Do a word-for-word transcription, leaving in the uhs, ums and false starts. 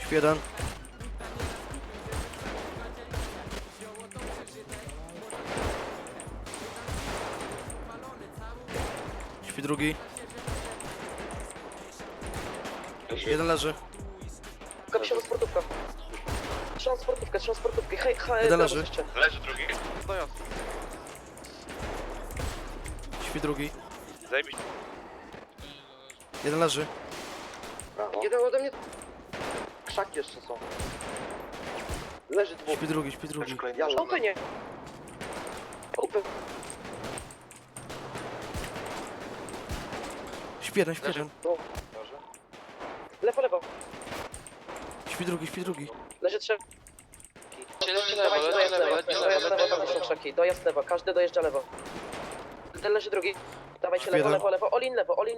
Śpi jeden. Śpi drugi. Jeden leży. Kapsiona sportówka. Trzymam sportówkę, trzymam sportówkę. Hej, hej, Jeden leży. jeszcze. Leży drugi. Dojazd. Śpi drugi. Zajebiście. Jeden leży. Brawo. Jeden ode mnie. Krzaki jeszcze są. Leży dwóch. Śpi drugi, śpi drugi. Ja Open nie. Open. Śpi jeden, śpi jeden. No. Lewo, lewo. Śpi drugi, śpi drugi. Leży trzech. Leży lewo, Dawajcie, leży dojazd lewo, lewo. leży Dojazd lewo, lewo, leży tam są lewo. krzaki. Dojazd lewo, każdy dojeżdża lewo. Ten leży drugi. Dawajcie lewo, Jeden. lewo, lewo. Olin lewo, olin